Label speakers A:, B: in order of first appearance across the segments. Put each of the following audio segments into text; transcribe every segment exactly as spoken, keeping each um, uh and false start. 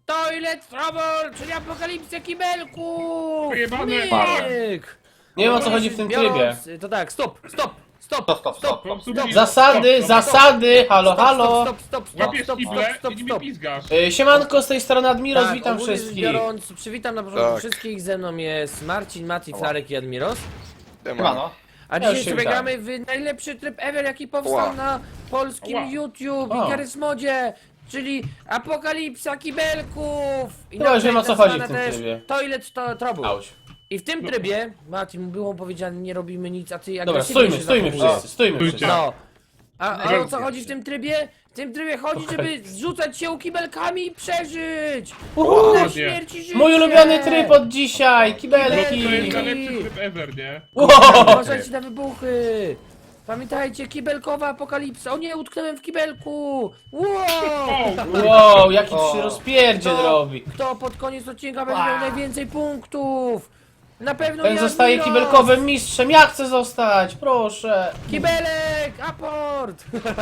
A: Toilet Trouble, czyli apokalipsę kibelków!
B: Pojebane.
A: Myk!
C: Nie wiem o co chodzi w tym trybie.
A: Biorąc- To tak, stop, stop, stop,
D: Stop, stop, stop.
B: Po prostu
A: Stop.
B: mi-
C: Zasady,
B: stop, stop,
C: zasady, halo,
A: stop,
C: halo.
A: stop, stop, stop,
B: Łapiesz
A: stop,
B: kible
A: stop,
B: i
A: stop,
B: mi
A: stop.
B: pizgasz.
C: Y, Siemanko, z tej strony Admiros,
A: Tak,
C: witam
A: ogólnie rzecz
C: wszystkich.
A: biorąc, przywitam na początku
D: Tak.
A: wszystkich, ze mną jest Marcin, Mati, Flarek i Admiros.
D: Siemano.
A: A
C: Ja
A: dzisiaj
C: już się
A: sobie
C: witam.
A: gramy w najlepszy tryb ever, jaki powstał
D: Ła.
A: na polskim
B: Ła.
A: YouTube
C: O.
A: i Garysmodzie, czyli apokalipsa kibelków! I
C: Chyba już wiem, o co chodzi w
A: nazwana
C: tym
A: też
C: trybie.
A: Toilet to Trouble.
C: Auć.
A: I w tym trybie, Marcin, było powiedziane, nie robimy nic, a ty
C: Dobra,
A: agresywnie
C: stójmy,
A: się
C: stójmy
A: zachowujesz.
C: wszyscy, stójmy
B: Stójcie.
C: wszyscy.
A: No. A, a o co
D: Dzięki.
A: chodzi w tym trybie? W tym trybie chodzi, żeby zrzucać się kibelkami i przeżyć!
C: Uhu.
A: Na
B: Ładnie.
A: śmierci życie!
C: Mój ulubiony tryb od dzisiaj,
B: No to
C: kibelki.
B: jest najlepszy tryb ever, nie?
C: Wow.
A: Uważajcie na wybuchy! Pamiętajcie, kibelkowa apokalipsa! O nie, utknąłem w kibelku! Wow!
C: Wow, jaki
D: O.
C: trzy rozpierdziel
A: Kto-
C: robi.
A: Kto pod koniec odcinka będzie miał najwięcej punktów? Na pewno
C: Ten
A: ja,
C: zostaje
A: Admiros!
C: kibelkowym mistrzem, ja chcę zostać, proszę.
A: Kibelek! Aport!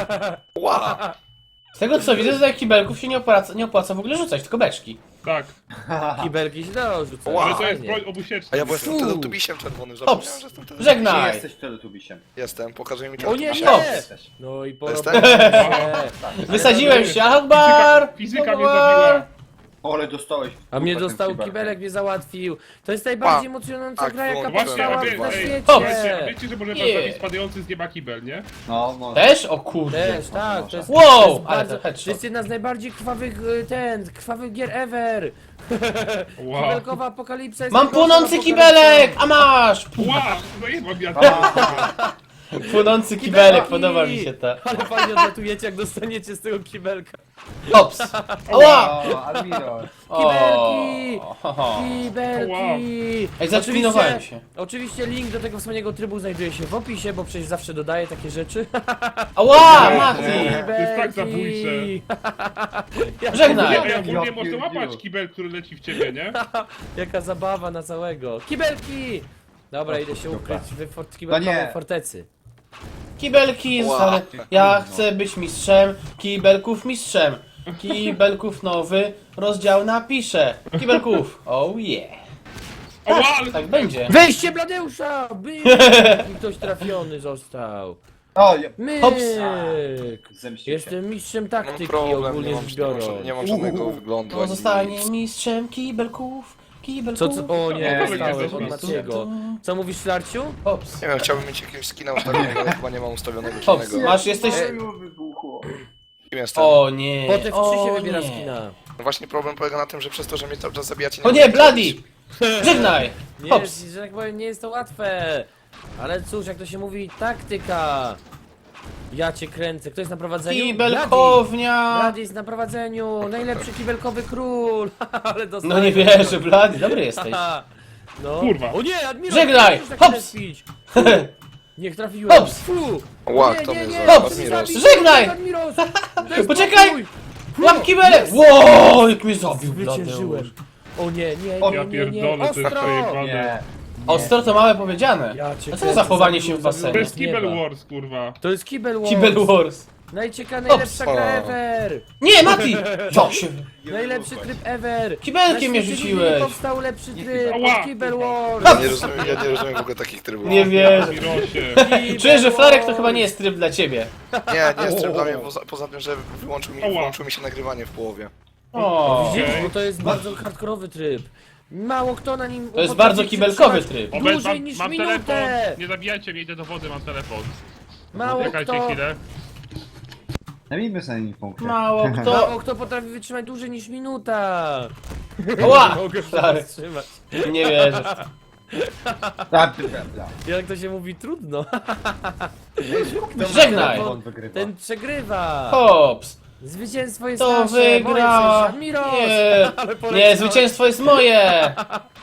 D: Ła!
C: Z tego co widzę, że kibelków się nie opłaca, nie opłaca w ogóle rzucać, tylko beczki.
B: Tak.
A: Kibelki się dało rzucać.
D: Wow.
B: Ale to jest
A: Fajnie.
B: broń obusieczna.
D: A ja byłem
A: Fu.
D: teletubisiem czerwonym, zapomniałem,
C: Hops,
D: że jestem teletubisiem.
E: Czy
C: żegnaj.
E: jesteś teletubisiem?
D: Jestem, pokażę mi
A: O nie,
D: teletubisia.
C: Hops.
A: nie!
E: Jesteś.
A: No i
D: Jestem?
A: porobię.
C: Wysadziłem się, Akbar!
B: Fizyka mnie zabiła.
E: O, ale dostałeś.
A: A mnie
E: Potem
A: dostał
E: kibelkiem.
A: kibelek, mnie załatwił. To jest najbardziej
D: Pa.
A: emocjonująca
D: Tak,
A: gra, jaka
D: wyłączyłem.
A: powstała
B: Właśnie, a
A: na
B: wie,
A: świecie.
B: słuchajcie, a wiecie, że może
C: Nie.
B: zabić spadający z nieba kibel, nie?
E: No, no.
C: Też? O kurde.
A: Też, tak, to jest,
C: Wow,
A: to jest,
C: ale
A: bardzo,
C: to headshot.
A: to jest jedna z najbardziej krwawych, y, ten, krwawych gier ever.
B: Wow.
A: Kibelkowa apokalipsa jest
C: Mam
A: najgorszą
C: płonący
A: apokalipsą.
C: kibelek, a masz!
B: Wow, zajebam ja.
C: Płonący kibelek,
A: Kibelki!
C: podoba mi się to.
A: Ale fajnie odlatujecie, jak dostaniecie z tego kibelka.
C: Hops! Ała!
E: O, Admiro.
A: Kibelki!
C: O, ho, ho.
A: Kibelki!
B: Wow.
C: Ej, zaklinowałem się.
A: Oczywiście link do tego wspaniałego trybu znajduje się w opisie, bo przecież zawsze dodaję takie rzeczy.
C: Ała, Mati!
B: To jest tak zabójcze.
C: Żegnaj!
B: Ej, ogólnie
E: Ja
B: można
E: pierdziu.
B: łapać kibel, który leci w ciebie, nie?
A: Jaka zabawa na całego. Kibelki! Dobra, idę się ukryć w fort kibelkowej
E: No nie.
A: fortecy.
C: Kibelki,
D: Ła.
C: zostały. Ja chcę być mistrzem, kibelków mistrzem. Kibelków nowy rozdział napiszę. Kibelków, oh yeah.
B: Ała, ale
C: Tak będzie.
A: Wejście Bladeusza! Byk! I ktoś trafiony został.
E: O, ja...
A: Myk!
C: Hops.
E: Zemścił się.
A: Jestem mistrzem
D: Mam
A: taktyki
D: problem, nie
A: ogólnie
D: mam,
A: rzecz
D: nie mam,
A: biorąc.
D: nie mam żadnego wyglądu.
C: To
D: ani
C: zostanie
D: nic.
C: mistrzem kibelków.
A: Co,
C: Kibelków.
A: co? O nie,
E: Nie,
A: dostałem
B: nie,
A: od
B: nie,
A: Maciego. Co mówisz, Flarciu?
C: Hops.
D: Nie wiem, chciałbym mieć jakiegoś skina ustawionego, ale chyba nie mam ustawionego
C: Hops,
D: żadnego.
C: masz, jesteś...
E: Oj, wybuchło.
D: Kim jestem?
C: O nie.
A: Po te w trzy się
C: o
A: wybiera
C: nie.
A: skina.
D: No właśnie problem polega na tym, że przez to, że mnie cały czas zabijacie...
C: O nie,
D: mogę
C: Bloody!
D: zrobić.
C: Żegnaj!
A: Nie,
C: Hops.
A: jest, że tak powiem, nie jest to łatwe. Ale cóż, jak to się mówi, taktyka. Ja cię kręcę. Kto jest na prowadzeniu? Bladi.
C: Kibelkownia!
A: Bladi jest na prowadzeniu. Najlepszy kibelkowy król. Ale dostałem.
C: No nie wierzę, Bloody, dobry jesteś.
A: No.
B: Kurwa.
A: O nie, Admiral!
C: Żegnaj.
A: nie możesz tak
C: Hops.
A: tępić. Niech trafiłem.
C: Hops.
A: Fu.
D: Ła,
A: nie,
D: kto
A: nie,
D: mnie
A: nie,
D: zabił?
C: Hops.
D: Admiros.
A: zabij,
C: Żegnaj.
A: Admiros. Daj
C: Poczekaj.
A: spokój.
C: Łap kibelek! Wow, jak mnie zabił
A: Zwyciężyłem. O nie, nie,
E: O,
A: nie,
B: Ja
A: nie, nie.
B: pierdolę, to jest
A: Ostro.
B: przejebane.
E: Nie.
C: Ostro to małe powiedziane.
A: Ja cię
C: A co
A: kręcę,
C: za chowanie
A: zabił-
C: się w
A: zabił-
B: To
C: basenie?
B: jest Kibel
A: Nieba.
B: Wars, kurwa.
A: To jest Kibel Wars.
C: Kibel Wars.
A: Najcieka, najlepsza
D: Hops.
A: gra ever.
C: Nie, Mati! Co się...
A: Najlepszy tryb ever.
C: Kibelkiem mnie
A: Na świecie
C: rzuciłeś.
A: nie powstał lepszy tryb
B: Ała.
A: od Kibel Wars.
D: Ja nie rozumiem, ja nie rozumiem w ogóle takich trybów.
C: Nie wierzę.
B: Mirosie.
A: Kibel
C: Czuję, że Flarek to
A: Wars.
C: chyba nie jest tryb dla ciebie.
D: Nie, nie jest tryb dla mnie, poza, poza tym, że wyłączył mi,
B: Ała.
D: wyłączył mi się nagrywanie w połowie.
C: O,
A: Widzisz,
B: Okej.
A: bo to jest bardzo hardkorowy tryb. Mało kto na nim
C: to jest
A: potrafi
C: bardzo kibelkowy
A: przytrzymać
C: tryb.
B: Obecnie
A: Dłużej
B: mam,
A: niż
B: mam
A: minutę.
B: telefon. Nie zabijajcie mnie, idę do wody, mam telefon.
A: Mało
B: Czekajcie
A: kto,
B: chwilę.
E: Zajmijmy sobie nim punkty.
C: Mało kto...
A: mało kto potrafi wytrzymać dłużej niż minuta.
C: Ła!
A: Nie mogę się
C: Flarek,
A: wstrzymać.
C: nie wierzę.
E: Tak, ty prawda.
A: Jak to się mówi, trudno.
C: Żegnaj!
E: On wygrywa.
A: Ten przegrywa.
C: Hops.
A: Zwycięstwo jest
C: To
A: nasze. moje w
C: wygra.
A: sensie, Admiros.
C: Nie,
A: Ale
C: nie,
A: poleciałem.
C: zwycięstwo jest moje.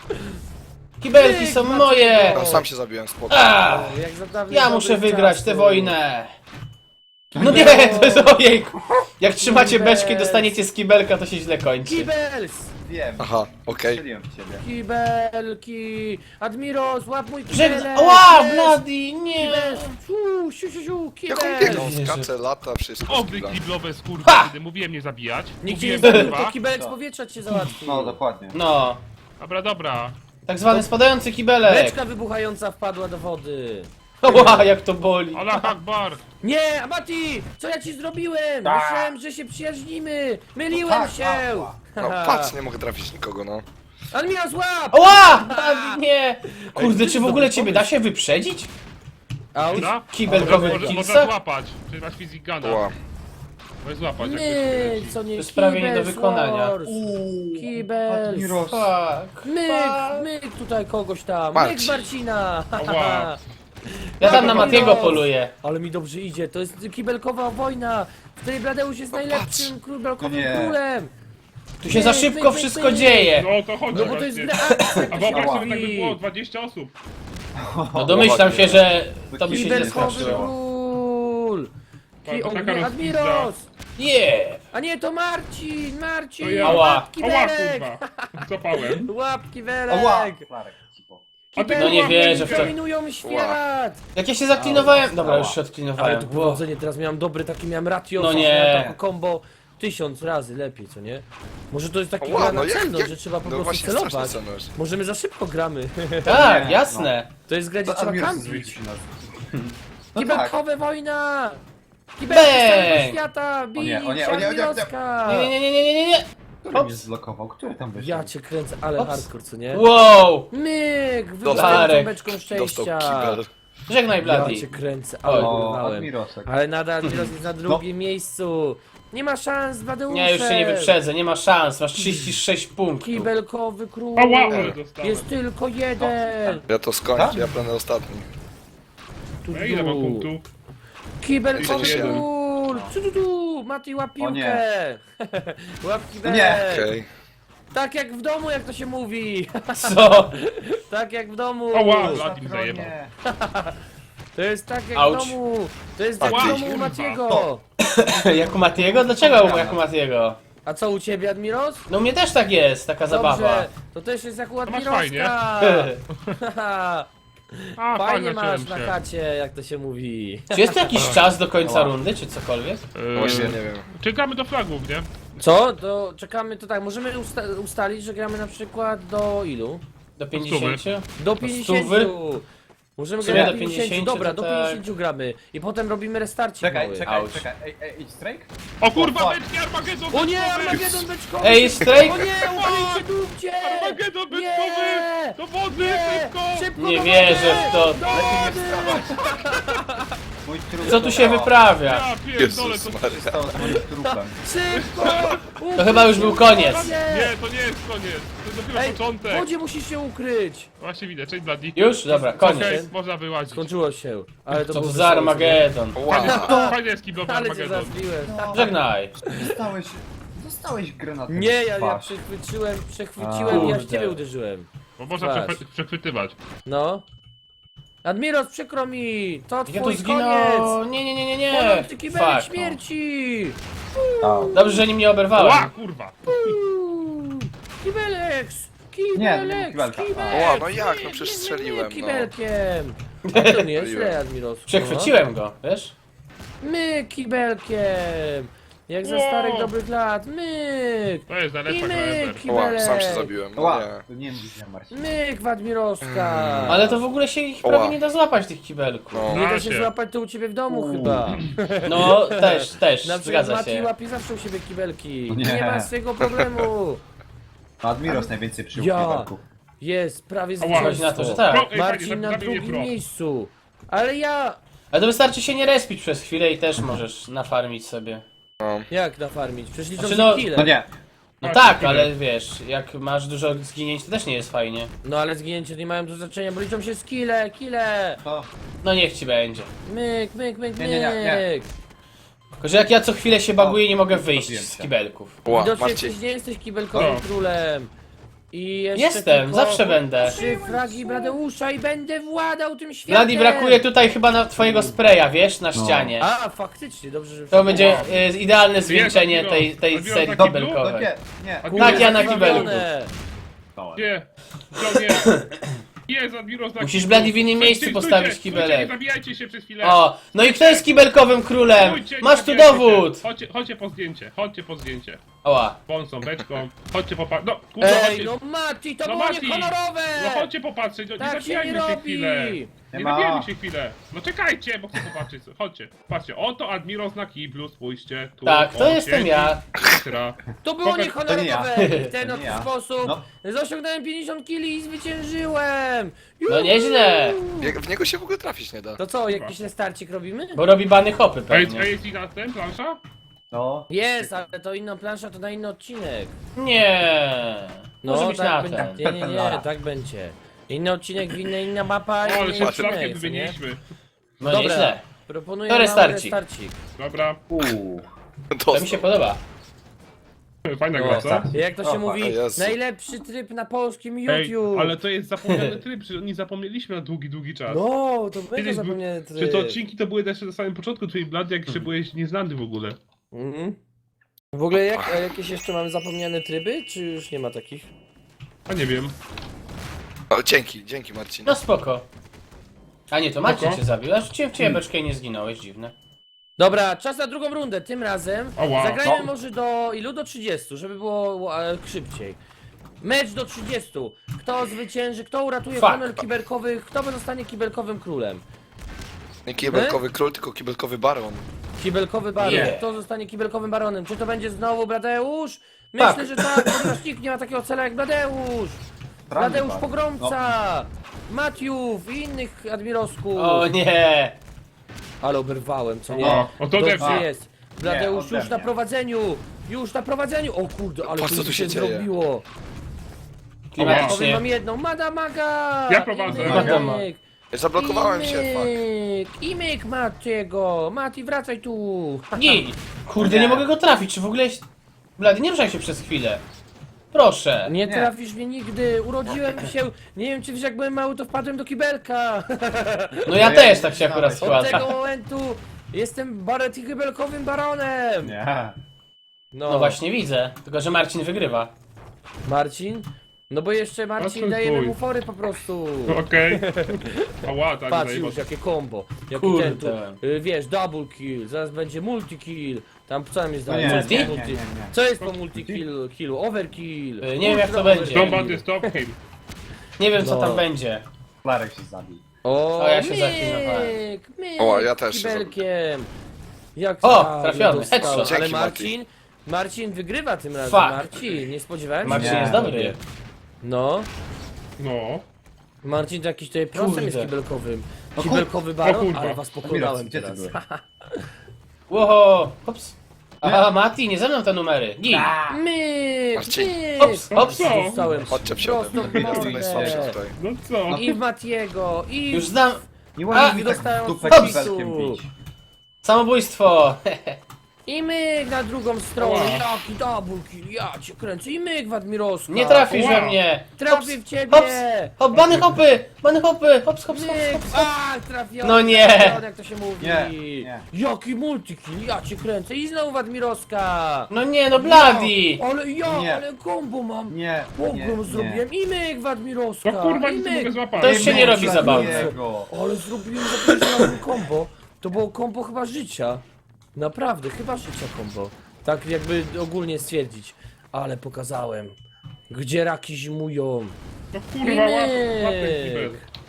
C: Kibelki są
A: Maciek.
C: moje.
D: No, sam się zabiłem, spoko.
C: A,
A: Jak za dawnych
C: ja
A: dobrych
C: muszę wygrać tę
A: czasów.
C: wojnę. No nie, to jest ojejku. Jak trzymacie beczkę i dostaniecie z kibelka, to się źle kończy.
A: Kibels!
E: Wiem.
D: Aha, okej.
E: Strzeliłem w ciebie.
A: Kibelki! Admiro, złap mój
C: Żeg...
A: kibelek!
C: Ła,
A: Jest!
C: Bloody, nie!
A: Kibel! Siu, siu, siu, siu,
D: Jak on
A: kibel!
D: biegną,
C: Wierzę.
D: skacze, lata, wszystko.
B: Oby
D: skilla.
B: kiblowe skurwy,
C: Ha!
B: kiedy mówiłem nie zabijać.
A: Nikt cię nie
B: Mówiłem,
A: zabił,
B: kurwa.
A: to kibelek z powietrza cię załatwi.
E: No, dokładnie.
C: No,
B: Dobra, dobra.
C: tak zwany spadający kibelek.
A: Beczka wybuchająca wpadła do wody.
C: Ła, jak to boli.
B: Allah Akbar.
A: Nie, Amati! Co ja ci zrobiłem?
C: Tak.
A: Myślałem, że się przyjaźnimy! Myliłem
E: tak,
A: się!
E: tak,
D: No patrz, nie mogę trafić nikogo, no.
A: Admiro, złap!
C: Ła, Bloody, nie! Kurde, czy w ogóle ciebie da się wyprzedzić?
A: Auć!
B: Dobra?
C: Kibelkowy
B: Może- Można
C: kilsa?
B: złapać. Przecież masz fizik gana.
D: Ła.
B: Możesz złapać, jak
A: Nie,
B: ktoś leci.
A: co nie,
C: To jest prawie nie do
A: Kibel
C: wykonania.
A: Wars. Kibel!
E: Admiros.
C: Fuck.
A: Myk, myk tutaj kogoś tam, myk
D: Marcin.
A: Marcina!
B: Ała.
C: Ja tam na
A: Admiros.
C: Matiego poluję.
A: Ale mi dobrze idzie, to jest kibelkowa wojna, w której Bladeusz jest
D: No
A: najlepszym kibelkowym
E: No nie.
A: królem!
C: Tu się za szybko
A: myk,
C: wszystko
A: myk.
C: dzieje.
B: No o to chodzi
A: No bo to jest
B: właśnie.
A: gra akcja,
B: A
A: to się
B: wyobraź sobie, tak by
A: mówi.
B: było dwadzieścia osób.
C: No domyślam się, że to by się nie
A: Kibelkowy
C: skończyło.
A: król! Ki
B: To
A: o,
B: taka
A: nie,
B: rozpizda.
A: Admiros!
C: Yeah!
A: A nie, to Marcin! Marcin!
B: To ja.
C: Ała.
A: Łap
B: Ała,
A: kibelek!
B: kurwa. Zapałem.
A: Łap
E: Ała!
A: kibelek!
E: Flarek, cipo.
B: A ty
C: No nie
B: kurwa,
C: wierzę w to.
A: Dominują świat!
C: Jak ja się zaklinowałem... Dobra, już się
A: Ale
C: odklinowałem.
A: to
C: Wow.
A: prowadzenie, teraz miałem dobry taki, miałem ratio,
C: No nie.
A: miałem tako combo tysiąc razy lepiej, co nie? Może to jest taki
D: Ła,
A: gra
D: no
A: na
D: jak-
A: celność,
D: jak-
A: że trzeba po
D: no
A: prostu
D: właśnie
A: celować.
D: strasznie celujesz.
A: Może my za szybko gramy.
C: Tak,
E: Nie,
C: jasne.
A: To jest gra, gdzie
E: To
A: trzeba
E: Admiros
A: kampić.
E: zwrócił się na... No tak.
A: Kibelkowe wojna! Kibelki z całego
C: Bang!
A: świata!
E: O
A: Bij
E: nie, o nie,
A: się
E: o nie, o nie, o nie.
A: Admiroska!
C: Nie, nie, nie, nie, nie, nie, nie.
E: Który mnie
C: Ops.
E: zblokował? Który tam wyszedł?
A: Ja cię kręcę, ale
C: Ops.
A: hardcore, co nie?
C: Wow!
A: Myk!
D: Dostał.
A: Wybrałem beczką
D: Dostał
A: szczęścia!
D: kibel.
C: Żegnaj,
A: Ja
C: Bloody.
A: cię kręcę, ale
E: O,
A: wyrwałem.
E: Admirosek.
A: Ale nadal Admiros jest na drugim miejscu! Nie ma szans z Bladeuszem!
C: Nie, już się nie wyprzedzę, nie ma szans. Masz trzydzieści sześć punktów.
A: Kibelkowy król!
B: Ała, ale dostałem.
A: Jest tylko jeden!
D: Ja to skończę, ja będę ostatni.
A: Tu,
B: No ile mam
A: tu.
B: punktów?
A: Kibelkowy
D: trzydzieści jeden.
A: król! Tu, tu, tu! Mati, łap
E: O
A: piłkę!
E: nie.
A: Łap kibelek!
E: Nie.
D: Okej.
A: Tak jak w domu, jak to się mówi!
C: Co?
A: Tak jak w domu!
B: Ała, Vladim zajebał.
E: Nie.
A: To jest tak jak
C: Auć.
A: w domu! To jest jak
B: Ała,
A: w domu u
B: kurwa.
A: Matiego!
C: Jak u Matiego? Dlaczego jak u Matiego?
A: A co u ciebie, Admiros?
C: No u mnie też tak jest, taka zabawa.
A: Dobrze, to też jest jak u
B: masz fajnie.
A: Admiroska!
B: A,
A: Fajnie
B: fajnie
A: masz
B: zacząłem
A: na
B: się.
A: chacie, jak to się mówi.
C: Czy jest to jakiś czas do końca rundy, czy cokolwiek?
B: Eee,
D: Właśnie nie wiem.
B: Czekamy do flagów, nie?
A: Co? To czekamy, to tak, możemy usta ustalić, że gramy na przykład do ilu?
C: Do pięćdziesięciu?
A: Do
C: stówy?
A: pięćdziesięciu! Możemy
C: W sumie
A: grać
C: do
A: do pięćdziesięciu,
C: pięćdziesięciu
A: dobra,
C: to
A: do
C: tak.
A: pięćdziesięciu gramy. I potem robimy restarcik
E: Czekaj,
A: mały.
E: czekaj,
C: Auć.
E: czekaj. Ej, ej, ej, strike?
B: O kurwa,
E: O, fuck.
B: beczki Armagedon
A: O nie,
B: beczkowy!
A: Armagedon beczkowy!
C: Ej, strajk!
A: O nie, ukryjcie dupcie!
B: Armagedon
A: Nie!
B: beczkowy! Do wody,
A: Nie!
B: szybko!
A: Szybko
C: Nie
A: do
C: wierzę w to.
A: wody! Do wody!
E: Mój trup
C: Co tu się wyprawia?
B: Ja pierdolę,
D: Jezus
B: to...
D: Maria.
E: stało z moim trupem?
A: Szybko!
C: To chyba już był koniec.
B: Nie, to nie jest koniec. To jest dopiero
A: Ej, w
B: początek.
A: wodzie musisz się ukryć!
B: Właśnie widzę, cześć Bloody.
C: Już? Dobra, koniec.
B: Okej, można wyłazić.
A: Skończyło się, ale to
C: Co
A: było
C: to
A: wesołe,
C: za Armagedon?
D: Wow.
B: Fajnie jest kiblowy
A: Ale cię
B: Armagedon.
A: zabiłem.
C: Żegnaj.
E: Dostałeś... Dostałeś granatem
A: Nie, ja,
E: w
A: ja
E: twarz.
A: przechwyciłem, przechwyciłem i ja w
C: Kurde.
A: ciebie uderzyłem.
B: Bo można
A: Patrz.
B: przechwy- przechwytywać.
A: No. Admiros, przykro mi! To
C: Ja
A: twój
C: tu
A: koniec!
C: zginąłem. Nie, nie, nie, nie, nie.
A: Płonący kibelek
C: Fuck.
A: śmierci!
E: Au.
C: Dobrze, że nim nie
B: Ła,
C: oberwałem.
B: kurwa.
A: Uuu, Kibeleks!
E: Nie, to nie
A: Kibeleks!
E: kibelka.
A: Kibeleks!
D: Ła, no jak, no
A: Nie,
D: przecież
A: nie, nie,
D: strzeliłem,
A: nie,
D: no.
A: kibelkiem! A to nie jest źle, Admiros.
C: Przechwyciłem go, wiesz?
A: My kibelkiem! Jak za
B: Wow.
A: starych dobrych lat, myk!
B: To jest
A: I
B: najlepsza gra
A: myk,
B: ever.
A: kibelek!
D: Ła, sam się zabiłem, no
E: Ła,
D: nie.
E: to nie widzę, Marcin.
A: Myk w Admiroska!
C: Ale to w ogóle się ich
D: Oła.
C: prawie nie da złapać, tych kibelków.
D: No.
A: Nie da
B: Da
A: się
B: się.
A: złapać to u ciebie w domu chyba.
C: No, też, też,
A: Na przykład
C: zgadza
A: Mati
C: się.
A: łapie zawsze u siebie kibelki.
E: No
A: Nie.
E: nie.
A: ma z tego problemu.
E: No, Admiros najwięcej przyjął
A: Ja.
E: kibelków.
A: Jest, prawie
B: Ała.
C: Chodzi na to, że
A: zwycięstwo.
C: tak.
B: Pro, ej,
A: Marcin
B: fajnie,
A: na
B: zabił mnie
A: drugim
B: pro.
A: miejscu. Ale ja...
C: Ale to wystarczy się nie respić przez chwilę i też możesz nafarmić sobie.
A: Jak nafarmić? Przecież liczą
C: Znaczy,
A: się
C: no-
A: kile.
E: No nie.
C: No
B: Tak,
C: tak,
B: chwilę.
C: ale wiesz, jak masz dużo zginięć, to też nie jest fajnie.
A: No ale zginięcie nie mają do znaczenia, bo liczą się skille, kile.
E: To...
C: No niech ci będzie.
A: Myk, myk, myk,
E: Nie, nie, nie, nie.
A: myk.
C: Tylko, że jak ja co chwilę się baguję, nie mogę wyjść
E: Zabiłem
C: z
E: cię.
C: kibelków.
D: Ła,
A: Widocznie
D: Marcin.
A: jesteś, nie jesteś kibelkowym
B: No.
A: królem. I jeszcze
C: Jestem,
A: tylko
C: zawsze będę.
A: Trzy fragi Bladeusza i będę władał tym światem.
C: Bladi, brakuje tutaj chyba na twojego spraya, wiesz, na ścianie.
A: A, faktycznie, dobrze, że
C: To będzie
A: przypomniałem.
C: y, idealne zwieńczenie
B: Admiro.
C: tej, tej
B: Admiro
C: serii
B: taki
C: kibelkowej.
E: No nie, nie.
B: Admiro,
C: Tak, ja na
B: taki
C: kibelku.
A: Zrobione.
E: Stałem.
B: Nie, to nie. Jest, Admiros na
C: Musisz,
B: kiblu.
C: Bladi, w innym
B: Stójcie,
C: miejscu
B: stójcie,
C: postawić
B: stójcie,
C: kibelek.
B: Nie zabijajcie się przez chwilę.
C: O, no i kto jest kibelkowym królem?
B: Stójcie, nie
C: Masz tu
B: zabijajcie
C: dowód!
B: się. Chodźcie, chodźcie po zdjęcie, chodźcie po zdjęcie.
C: Oła.
B: Pąsą, beczką. Chodźcie popatrzeć. No, kurwa,
A: Ej,
B: chodźcie.
A: no Mati, to
B: No
A: było
B: Mati,
A: niehonorowe!
B: No chodźcie popatrzeć, no, nie
A: Tak się nie
B: zabijajmy się chwilę.
A: robi!
B: Nie
E: Nie ma.
B: zabijajmy się chwilę. No czekajcie, bo chcę popatrzeć. Chodźcie, patrzcie, oto Admiros na kiblu, spójrzcie. Tu,
C: Tak, to
B: o,
C: jestem
B: siedzi,
C: ja.
B: Ekstra.
A: To było
B: Pokaż-
E: to nie
A: niehonorowe!
E: ja.
A: W ten
E: To
A: oto
E: nie ja.
A: sposób
E: No.
A: zasiągnąłem pięćdziesiąt kili i zwyciężyłem!
C: No nieźle.
D: Jak w niego się w ogóle trafić nie da.
A: To co, jakiś restarcik robimy?
C: Bo robi bany hopy
B: Ej,
C: pewnie.
B: ej, jest i na ten, plansza?
E: No.
A: Jest, ale to inna plansza, to na inny odcinek.
C: Nie. Może być na
A: tak
C: ten.
A: będzie. Nie, nie, nie, tak będzie. Inny odcinek, inna, inna mapa,
B: O, ale
A: inny
B: się
A: odcinek,
B: trafkiem
A: co nie?
B: wymieniliśmy.
C: No
A: Dobra,
C: nieźle.
A: proponuję
C: To
A: mały
C: restarcik.
A: restarcik.
B: Dobra,
E: Uuu.
C: To mi się podoba.
B: fajna
A: No,
B: gra, co?
E: tak.
A: Jak to się
E: O,
A: mówi,
D: o Jezu.
A: najlepszy tryb na polskim
B: Ej,
A: YouTube.
B: ale to jest zapomniany tryb, że nie zapomnieliśmy na długi, długi czas.
A: No, to mega
B: Kiedyś był-
A: zapomniany tryb.
B: Czy to odcinki to były jeszcze na samym początku twojej blady, jak jeszcze
A: Hmm.
B: byłeś nieznany w ogóle.
A: Mhm. W ogóle jak, a jakieś jeszcze mamy zapomniane tryby, czy już nie ma takich?
B: A nie wiem.
D: O, dzięki, dzięki Marcin.
C: No spoko. A nie, to Marcin
B: Spoko.
C: cię zabił. Aż cię w ciebie beczkę i nie zginąłeś, dziwne.
A: Dobra, czas na drugą rundę, tym razem
B: Ała.
A: zagrajmy
E: No.
A: może do ilu? Do trzydziestu, żeby było e, szybciej. Mecz do trzydziestu. Kto zwycięży, kto uratuje
C: Fuck.
A: honor kibelkowych, kto zostanie kibelkowym królem?
D: Nie kibelkowy król, tylko kibelkowy baron.
A: Kibelkowy baron.
C: Yeah.
A: Kto zostanie kibelkowym baronem? Czy to będzie znowu Bladeusz? Myślę,
C: Tak.
A: że tak, ponieważ nikt nie ma takiego cela jak Bladeusz. Bladeusz
E: pan.
A: Pogromca, Matiów i innych admirosków.
C: O nie.
A: Ale oberwałem, co nie?
B: O, o to
A: Dobrze
B: ode mnie.
A: jest. Bladeusz
E: ode
A: już na
E: mnie.
A: prowadzeniu. Już na prowadzeniu. O kurde, ale
D: Patrz,
A: tu
D: co tu się dzieje.
A: zrobiło. Powiem
C: Klimatycznie.
A: wam jedną, Madamaga!
B: Ja prowadzę.
C: Madama.
D: Zablokowałem się, fuck.
A: fuck. I myk Matiego. Mati, wracaj tu.
C: Nie. Kurde, nie mogę go trafić. Czy w ogóle... jest- Blady, nie ruszaj się przez chwilę. Proszę.
A: Nie
E: Nie.
A: trafisz mnie nigdy. Urodziłem się. Nie wiem, czy wiesz, jak byłem mały, to wpadłem do kibelka.
C: No ja też tak się akurat
A: Od
C: składa.
A: tego momentu jestem baret i kibelkowym baronem.
E: Nie.
C: No właśnie widzę. Tylko, że Marcin wygrywa.
A: Marcin? No bo jeszcze Marcin
B: Patrz,
A: dajemy
B: twój.
A: mu fory po prostu.
B: Okej. Ała, tak,
A: Patrz
B: zajebał.
A: już, jakie combo. Jaki
C: Kurde.
A: ten tu, y, wiesz, double kill, zaraz będzie multi kill. Tam co tam jest
E: No
A: dalej?
E: nie,
A: Co jest
E: nie,
A: po
E: nie,
A: multi?
E: nie, nie.
A: Co jest po multi kill, killu? Overkill.
C: Y, nie wiem, jak to
A: Ultra
C: będzie.
A: overkill.
B: Combat is top kill.
C: Nie wiem co
A: No.
C: tam będzie.
E: Klarek się zabił.
A: O,
C: O, ja się
A: myk,
C: zaklinowałem.
A: myk,
D: O, ja też się
A: kibelkiem. Jak
C: O,
A: za-
C: trafiony,
A: dostałem.
C: headshot.
A: Ale
D: Dzięki,
A: Marcin, Marcin wygrywa tym razem.
C: Fuck.
A: Marcin, nie spodziewałem się.
C: Marcin
E: Nie.
C: jest dobry.
A: No,
B: No.
A: Marcin to jakiś tutaj prosem
C: Kurde.
A: jest kibelkowym.
C: kur-
A: Kibelkowy
B: o
A: baron,
B: kurwa.
A: ale was pokonałem
E: Gdzie ty
A: teraz.
E: byłeś?
C: Łoho. Hops. Aha, Mati, nie ze mną te numery. Gin.
A: Myk,
D: Marcin.
A: myk.
C: Hops, hops.
B: Co?
A: Zostałem
D: Chodźcie
A: prosto
D: przodem.
A: w
D: Jestem
A: mordę.
D: najsłabszy tutaj.
B: No co?
A: I w Matiego, i
C: Już znam.
E: Nie
C: A,
E: ładnie mi tak
A: dostałem
E: w dupę
A: od
E: kibelkiem
A: Foxu.
E: bić.
C: Samobójstwo.
A: i myk na drugą stronę.
B: Ła.
A: Jaki double kill, ja cię kręcę. I myk w Admirowska.
C: Nie trafisz
B: Wow.
C: we mnie.
A: Trafię w ciebie.
C: Hops. Hop, bany hopy. Bany hopy. Hops, hops, hops,
A: Myk,
C: hops.
A: a trafiony.
C: No nie.
A: trafiony, jak to się mówi.
E: Nie, nie.
A: Jaki multikill, ja cię kręcę. I znowu w Admirowska.
C: No nie, no Bloody.
A: Ale ja,
E: Nie.
A: ale kombo mam.
E: Nie, nie,
A: Pogrom
E: nie.
A: zrobiłem i myk w Admirowska.
B: No kurwa,
A: i
B: nic nie
A: myk.
B: mogę złapać.
C: To już się nie robi
A: myk,
C: zabawne.
E: Jego.
A: Ale zrobiłem za pierwszym razem kombo. To było kombo chyba życia. Naprawdę, chyba życia kombo. Tak jakby ogólnie stwierdzić. Ale pokazałem. Gdzie raki zimują.
B: No kurwa, łap, łap ten kibel.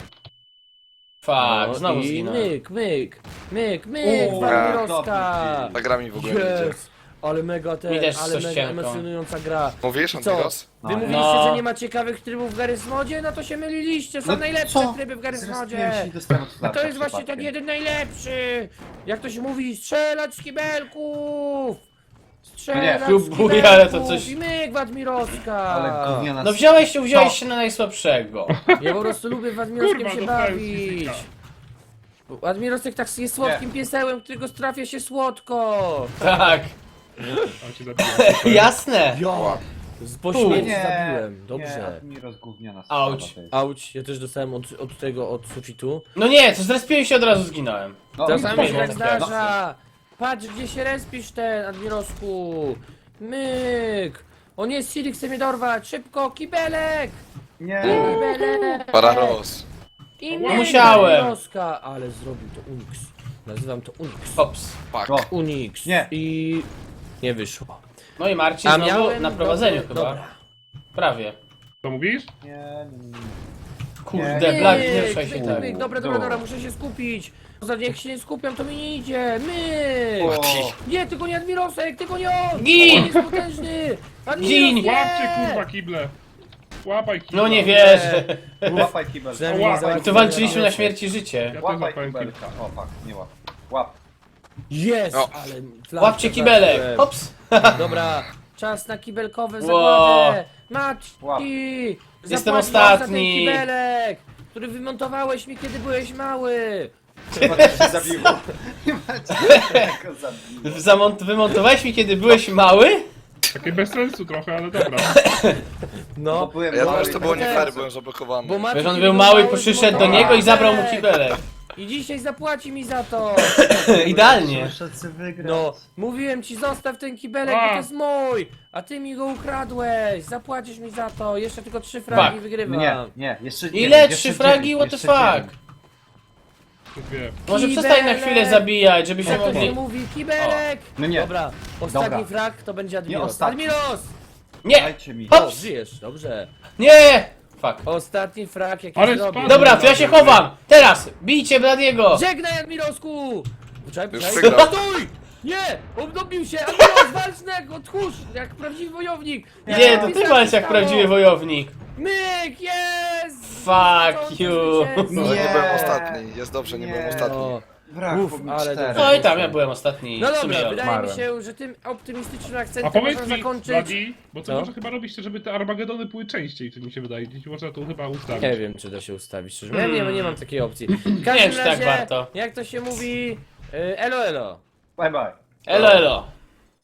C: Fuck,
A: No
C: znowu
A: i
C: zginąłem.
A: myk, myk, myk, myk,
E: O,
A: Walmirowska.
D: Ta gra mi w ogóle nie idzie.
A: Yes. Ale mega ten,
C: Mi też
A: ale
C: coś
A: mega
C: cienko.
A: emocjonująca gra.
D: Mówisz,
A: Co?
D: Antyros?
A: Wy
E: No,
A: mówiliście,
C: no.
A: że nie ma ciekawych trybów w Garry's Modzie? No to się myliliście, są
E: No
A: najlepsze
E: co?
A: tryby w Garry's
E: Zrespiłem
A: Modzie.
E: się i dostałem od
A: A
E: Klarka
A: to jest właśnie ten
E: przypadkiem.
A: jeden najlepszy! Jak to się mówi, strzelać z kibelków! Strzelać
E: Nie,
A: z
C: próbuję,
A: kibelków!
C: ale to coś-
A: I myk Wadmirowska!
E: Ale gówniana...
C: No wziąłeś się, wziąłeś
E: Co?
C: się na najsłabszego.
A: Ja po prostu lubię Wadmirowskiem
B: Kurwa,
A: się
B: dostałem
A: bawić!
B: sisika.
A: Admirosek tak jest słodkim piesełem, którego strafia się słodko!
C: Tak,
B: A cię zabiłem.
C: jasne.
A: Ja! Z po
C: Tu.
A: śmierci
E: Nie,
A: zabiłem,
E: Nie,
A: dobrze.
E: Admiro zgówniona
C: Auć.
E: sprawa to jest.
A: Auć, ja też dostałem od, od tego, od sufitu.
C: No nie, co zrespiłem się od razu zginąłem.
E: No,
A: Czasami się
C: no,
A: tak
C: no,
A: zdarza. Patrz, gdzie się respisz ten, Admirosku. Myk. O nie, Siri chce mnie dorwać. Szybko, kibelek.
E: Nie,
A: Kibelek.
D: Pararos.
A: I
B: No
A: myk,
C: musiałem.
A: Admiroska. Ale zrobił to Unix. Nazywam to Unix.
C: Ops.
D: Pak.
E: O,
A: Unix.
E: Nie.
A: I nie wyszło.
C: No i Marcin
A: A
C: znowu
A: miałem
C: na prowadzeniu
A: dobry-
C: chyba.
A: Dobra.
C: Prawie.
B: Co mówisz?
E: nie, nie, nie.
C: Kurde,
E: Nie,
C: Black,
A: Myk,
C: nie ruszaj się
A: myk,
C: tak.
A: myk. Dobra, dobra, dobra, muszę się skupić. Poza tym, jak się nie skupiam, to mi nie idzie. Myk.
E: O,
A: Nie, tylko nie Admirosek, tylko nie on!
C: Gin!
A: On jest potężny! Admiros,
C: Gin!
A: nie!
B: Łapcie kurwa kible! Łapaj kible!
C: No nie wierzę.
E: łapaj kibelka.
A: Przynajmniej
B: Łapaj.
A: nie załatwiłem
C: Tu walczyliśmy na
A: Admirosa.
C: śmierć i życie.
B: Ja też
E: Łapaj
B: łapałem kible.
E: kibelka. O, pak, nie łap. Łap.
A: Jest!
D: O.
A: Ale flankę
C: Łapcie kibelek.
A: zacząłem.
C: Ops.
A: Dobra, czas na kibelkowe
C: Wow.
A: zagładę!
E: Łap.
A: Mati!
C: Jestem
A: Zapłacisz za ten
C: ostatni.
A: kibelek, który wymontowałeś mi, kiedy byłeś mały!
E: Chyba to się zabiło. Chyba cię zabiło.
C: Zamont- wymontowałeś mi kiedy byłeś mały?
B: Takie bez sensu trochę, ale dobra.
A: No,
E: Bo byłem
D: Ja
E: mały,
D: wiem, że to było nie
A: teraz.
D: fair, byłem zablokowany.
A: bo Mati
C: Wiesz, on
A: kiedy
C: był mały,
A: mały,
C: przyszedł do
A: zmontowałeś
C: niego i zabrał mu
A: kibelek.
C: kibelek.
A: I dzisiaj zapłaci mi za to!
C: Idealnie.
E: Muszę wygrać.
A: No, mówiłem ci, zostaw ten kibelek,
B: A.
A: bo to jest mój! A ty mi go ukradłeś! Zapłacisz mi za to! Jeszcze tylko trzy fragi
C: Fuck.
A: wygrywam.
E: Nie, nie, jeszcze nie.
C: Ile?
E: jeszcze
C: Trzy fragi?
E: dziewięć,
C: What the
E: jeszcze
C: fuck?
E: dziewięć.
B: Dwie.
C: Może
A: Kibelek!
C: przestań na chwilę zabijać, żebyśmy
A: Jak to się
C: mogli...
A: mówi? Kibelek!
E: No nie.
A: Dobra, ostatni
E: Dobra.
A: frag to będzie Admiros.
E: ostatni.
A: Admiros!
C: Nie!
E: Dajcie mi.
A: O,
C: Ops!
A: żyjesz, dobrze.
C: Nie! Fuck.
A: Ostatni frag jaki
B: Ale
A: zrobię.
B: spadł.
C: Dobra, to ja się chowam! Teraz! Bijcie Bladiego!
A: Żegnaj, Admirosku! Poczekaj,
D: Już
A: poczekaj.
D: wygrał.
A: Stój! Nie! Obdobił się! Admiros, walcznego! Tchórz! Jak prawdziwy wojownik!
C: Nie, to ty walcz jak prawdziwy wojownik.
A: Myk! Jest!
C: Fuck you.
D: No, nie
E: Nie.
D: byłem ostatni, jest dobrze, nie,
E: Nie.
D: byłem ostatni.
A: O.
E: Brak,
A: Uf,
E: bo mi
A: ale
E: cztery.
C: No i tam, ja byłem ostatni.
A: No
C: W sumie
A: dobra, wydaje mi
E: odmarłem.
A: się, że tym optymistycznym
B: A
A: akcentem
B: powiedz
A: można
B: mi,
A: zakończyć.
B: Bladi, bo to
A: Co?
B: może chyba robiście, żeby te Armagedony były częściej, czy mi się wydaje. Gdzieś można to chyba ustawić.
A: Nie wiem, czy da się ustawić, szczerze. Ja nie, nie mam takiej opcji. W
C: Nie wiem,
A: każdym
C: czy tak
A: razie,
C: warto.
A: jak to się mówi, y, elo elo.
E: Bye bye.
C: Elo, elo.